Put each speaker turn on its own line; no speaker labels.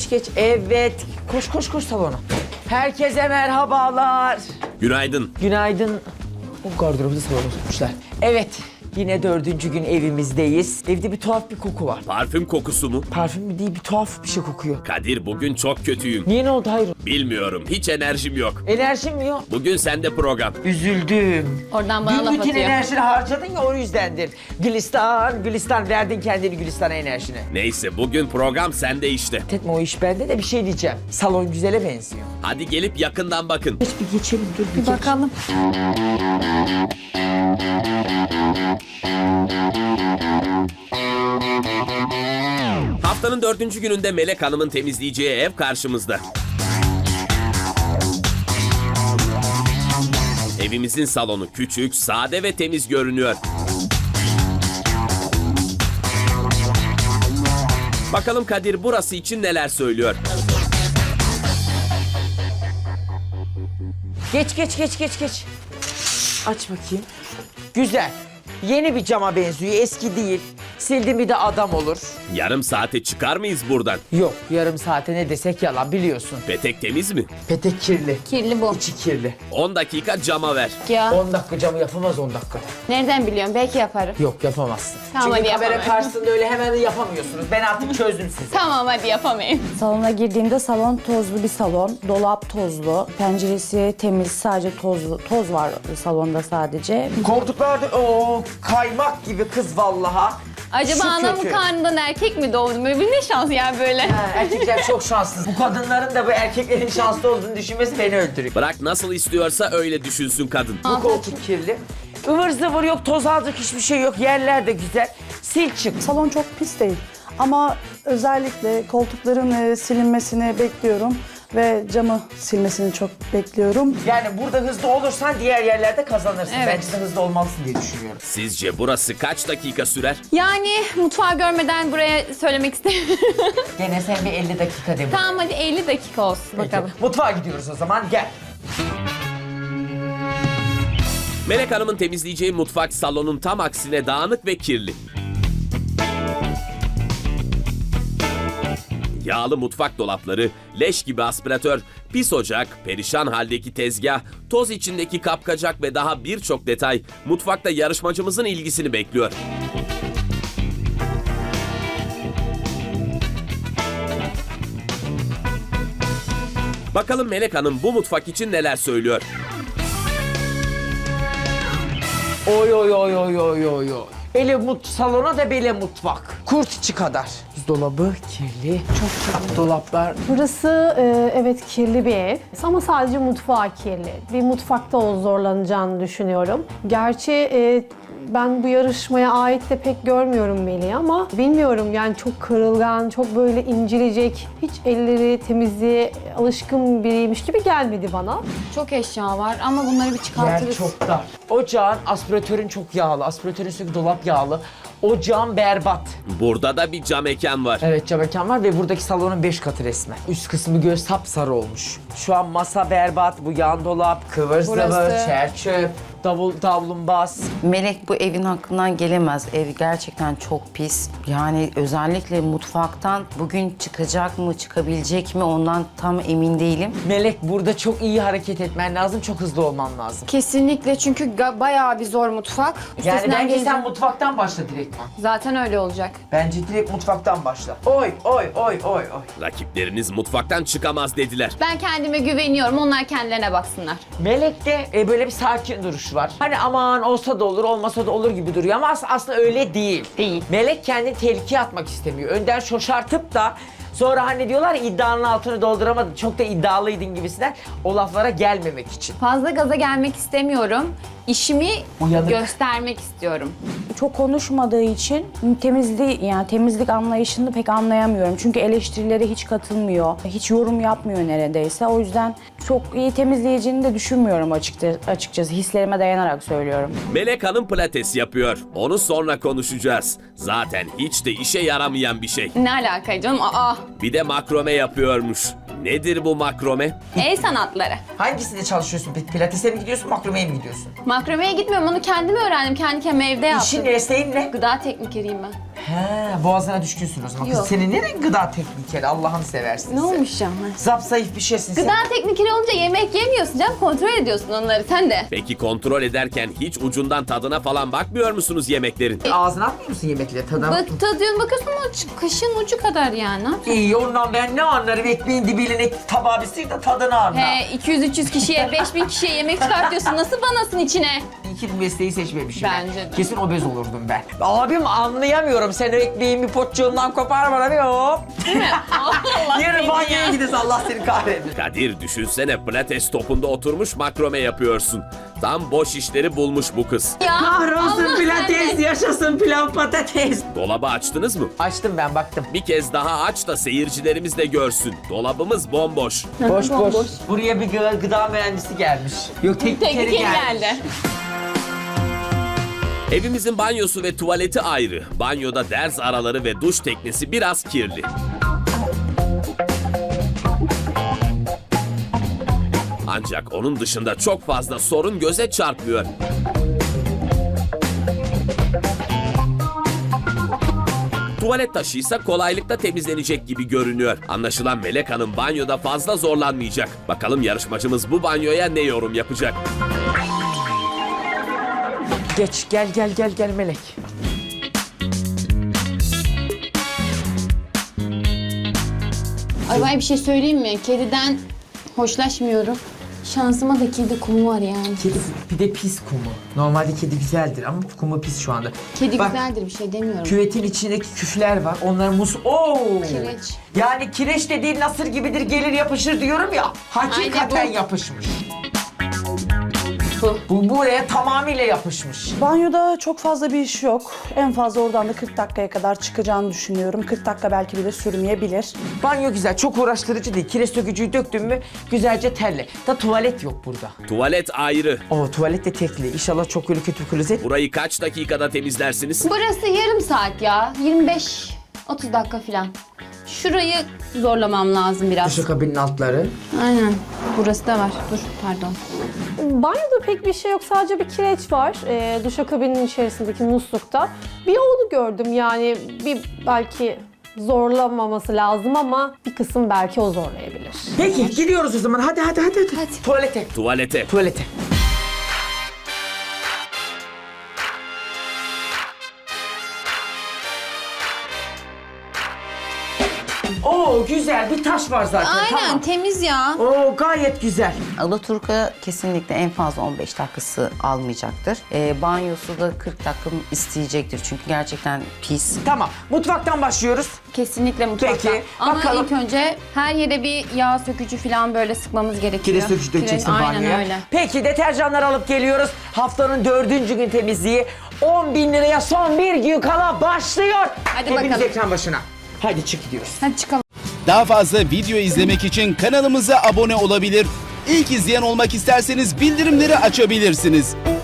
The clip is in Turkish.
geç. Evet. Koş koş koş salona. Herkese merhabalar.
Günaydın.
Günaydın. O gardırobu da salona sokmuşlar. Evet. Yine 4. gün evimizdeyiz. Evde bir tuhaf bir koku var.
Parfüm kokusu mu?
Parfüm mü değil, bir tuhaf bir şey kokuyor.
Kadir bugün çok kötüyüm.
Niye, ne oldu, hayır?
Bilmiyorum, hiç enerjim yok.
Enerjim mi yok?
Bugün sende program.
Üzüldüm.
Oradan bana
Dün
laf
bütün
atıyor.
enerjini harcadın ya, o yüzdendir. Gülistan, Gülistan verdin kendini Gülistan'a enerjini.
Neyse bugün program sende işte.
Etme, o iş bende de bir şey diyeceğim. Salon güzele benziyor.
Hadi gelip yakından bakın.
Geç bir geçelim, dur bir geç.
Bakalım.
Haftanın 4. gününde Melek Hanım'ın temizleyeceği ev karşımızda. Evimizin salonu küçük, sade ve temiz görünüyor. Bakalım Kadir burası için neler söylüyor.
Geç. Aç bakayım. Güzel. Yeni bir cama benziyor, eski değil. Sildim bir de adam olur.
Yarım saate çıkar mıyız buradan?
Yok, yarım saate ne desek yalan, biliyorsun.
Petek temiz mi?
Petek kirli.
Kirli bu.
İçi kirli.
10 dakika cama ver.
Ya
10 dakika camı yapamaz, 10 dakikada.
nereden biliyorum? Belki yaparım.
Yok, yapamazsın.
Tamam,
Çünkü
hadi
kamera
yapamam.
karşısında öyle hemen yapamıyorsunuz. Ben artık çözdüm sizi.
Tamam, hadi yapamayayım.
Salona girdiğimde salon tozlu bir salon. Dolap tozlu. Penceresi temiz. Sadece toz var salonda sadece.
Koltuklarda o kaymak gibi kız vallaha.
Acaba
Şu
anamın
kötü.
karnından erkek mi doğdu? Böyle bir ne şans ya böyle.
Ha, erkekler çok şanssız. Bu kadınların da bu erkeklerin şanslı olduğunu düşünmesi beni öldürüyor.
Bırak nasıl istiyorsa öyle düşünsün kadın.
Bu koltuk kirli. Ivır zıvır yok, toz alacak hiçbir şey yok. Yerler de güzel. Sil çık.
Salon çok pis değil ama özellikle koltukların silinmesini bekliyorum ve camı silmesini çok bekliyorum.
Yani burada hızlı olursan diğer yerlerde kazanırsın.
Evet.
Bence de hızlı olmalısın diye düşünüyorum.
Sizce burası kaç dakika sürer?
Yani mutfağı görmeden buraya söylemek istemiyorum.
Gene sen bir 50 dakika de.
Tamam, hadi 50 dakika olsun bakalım.
Mutfağa gidiyoruz o zaman, gel.
Melek Hanım'ın temizleyeceği mutfak salonun tam aksine dağınık ve kirli. Yağlı mutfak dolapları, leş gibi aspiratör, pis ocak, perişan haldeki tezgah, toz içindeki kapkacak ve daha birçok detay mutfakta yarışmacımızın ilgisini bekliyor. Bakalım Melek Hanım bu mutfak için neler söylüyor?
Oy. Salona da böyle mutfak. Kurt içi kadar. Dolabı kirli. Çok kirli. Dolaplar.
Burası evet kirli bir ev ama sadece mutfağı kirli. Bir mutfakta o zorlanacağını düşünüyorum. Gerçi ben bu yarışmaya ait de pek görmüyorum Melih'i ama bilmiyorum, yani çok kırılgan, çok böyle incilecek, hiç elleri temizliğe alışkın biriymiş gibi gelmedi bana.
Çok eşya var ama bunları bir
Yer
çıkartırız.
çok dar. Ocağın, aspiratörün çok yağlı. Aspiratörün üstündeki dolap yağlı. Ocağın berbat.
Burada da bir cam mekan var.
Evet, cam mekan var ve buradaki salonun 5 katı resmen. Üst kısmı göz sapsarı olmuş. Şu an masa berbat, bu yan dolap, kıvır zıvır,
Burası.
çer çöp, davlumbaz.
Melek bu evin hakkından gelemez. Ev gerçekten çok pis. Yani özellikle mutfaktan bugün çıkacak mı, çıkabilecek mi ondan tam emin değilim.
Melek, burada çok iyi hareket etmen lazım, çok hızlı olman lazım.
Kesinlikle, çünkü bayağı bir zor mutfak.
Yani
Üstesinden
bence sen
geleceğim.
mutfaktan başla direktman.
Zaten öyle olacak.
Bence direkt mutfaktan başla. Oy.
Rakipleriniz mutfaktan çıkamaz dediler.
Ben kendime güveniyorum. Onlar kendilerine baksınlar.
Melek'te böyle bir sakin duruş var. Hani aman olsa da olur, olmasa da olur gibi duruyor ama aslında öyle değil.
Değil.
Melek kendini tehlikeye atmak istemiyor. Önden şoşartıp da sonra hani diyorlar ya, iddianın altını dolduramadın, çok da iddialıydın gibisinden, o laflara gelmemek için.
Fazla gaza gelmek istemiyorum. İşimi
Uyanık.
göstermek istiyorum.
Çok konuşmadığı için temizlik anlayışını pek anlayamıyorum. Çünkü eleştirilere hiç katılmıyor. Hiç yorum yapmıyor neredeyse. O yüzden çok iyi temizleyeceğini de düşünmüyorum açıkçası. Hislerime dayanarak söylüyorum.
Melek Hanım pilates yapıyor. Onu sonra konuşacağız. Zaten hiç de işe yaramayan bir şey.
Ne alaka canım? Aa!
Bir de makrome yapıyormuş. Nedir bu makrome?
El sanatları.
Hangisinde çalışıyorsun? Pilates'e mi gidiyorsun, makromeye mi gidiyorsun?
Makromeye gitmiyorum. Onu kendim öğrendim. Kendi kendime evde yaptım.
İşin mesleğin ne?
Gıda teknikeriyim ben.
He, boğazına düşkünsün o zaman. Kız
Yok.
senin nereye gıda teknikeri Allah'ını seversin
Ne
sen.
olmuş canım?
Zapsayıf bir şeysin sen.
Gıda teknikeri olunca yemek yemiyorsun canım. Kontrol ediyorsun onları sen de.
Peki kontrol ederken hiç ucundan tadına falan bakmıyor musunuz yemeklerin?
Ağzına atmıyor musun yemekleri tadına?
Tadıyorsun bakıyorsun ama kaşığın ucu kadar yani.
İyi ondan ben ne anlarım ekmeğin dibiyle tabağı bir sıyır da tadını anla.
He 200-300 kişiye 5000 kişiye yemek çıkartıyorsun. Nasıl banasın içine?
İyi ki bu mesleği seçmemişim ben.
Bence de.
Kesin obez olurdum ben. Abim anlayamıyorum. Sen o ekmeğin bir potçuğundan kopar bana bir hop.
Değil mi? Allah
Yarın
seni
banyoya
ya.
gidiyorsun Allah seni kahretsin.
Kadir düşünsene pilates topunda oturmuş makrome yapıyorsun. Tam boş işleri bulmuş bu kız.
Ya,
Kahrolsun
Allah
pilates,
sende.
yaşasın pilav patates.
Dolabı açtınız mı?
Açtım ben baktım.
Bir kez daha aç da seyircilerimiz de görsün. Dolabımız bomboş.
Boş boş.
Bomboş.
Buraya bir gıda mühendisi gelmiş. Yok teknikeri
Teknikeri
gelmiş.
geldi.
Evimizin banyosu ve tuvaleti ayrı. Banyoda derz araları ve duş teknesi biraz kirli. Ancak onun dışında çok fazla sorun göze çarpmıyor. Tuvalet taşıysa kolaylıkla temizlenecek gibi görünüyor. Anlaşılan Melek Hanım banyoda fazla zorlanmayacak. Bakalım yarışmacımız bu banyoya ne yorum yapacak?
Geç gel Melek.
Ay ben bir şey söyleyeyim mi? Kediden hoşlaşmıyorum. Şansıma da kedi kumu var yani.
Kedi bir de pis kumu. Normalde kedi güzeldir ama kumu pis şu anda.
Kedi
Bak,
güzeldir bir şey demiyorum.
küvetin içindeki küfler var. Onlar Oo!
Kireç.
Yani kireç dediğin nasır gibidir gelir yapışır diyorum ya. Hakikaten
Aynen bu.
yapışmış.
Bu.
Bu buraya tamamıyla yapışmış.
Banyoda çok fazla bir iş yok. En fazla oradan da 40 dakikaya kadar çıkacağını düşünüyorum. 40 dakika belki bile sürmeyebilir.
Banyo güzel, çok uğraştırıcı değil. Kireç sökücüyü döktün mü güzelce terle. Da tuvalet yok burada.
Tuvalet ayrı.
O tuvalet de tekli. İnşallah çok öyle kötü bir klozet.
Burayı kaç dakikada temizlersiniz?
Burası yarım saat ya. 25-30 dakika falan. Şurayı zorlamam lazım biraz.
Duşakabinin altları.
Aynen. Burası da var. Dur pardon.
Banyoda pek bir şey yok. Sadece bir kireç var. Duşakabinin içerisindeki muslukta. Bir onu gördüm yani bir belki zorlamaması lazım ama bir kısım belki o zorlayabilir.
Peki gidiyoruz o zaman. Hadi. Tuvalete.
Tuvalete.
Tuvalete. Oo güzel bir taş var zaten.
Aynen
Tamam.
temiz ya.
Oo gayet güzel.
Alaturka kesinlikle en fazla 15 dakikası almayacaktır. Banyosu da 40 dakika isteyecektir çünkü gerçekten pis.
Tamam. Mutfaktan başlıyoruz.
Kesinlikle mutfakta.
Peki,
Ama
bakalım.
ilk önce her yere bir yağ sökücü falan böyle sıkmamız gerekiyor.
Kireç sökücü dökeceksin
Kireç-
banyoya.
Aynen öyle.
Peki deterjanları alıp geliyoruz. Haftanın 4. gün temizliği. 10.000 liraya son bir gün kala başlıyor.
Hadi
Hepiniz
bakalım.
ekran başına. Hadi çık gidiyoruz.
Hadi çıkalım.
Daha fazla video izlemek için kanalımıza abone olabilir. İlk izleyen olmak isterseniz bildirimleri açabilirsiniz.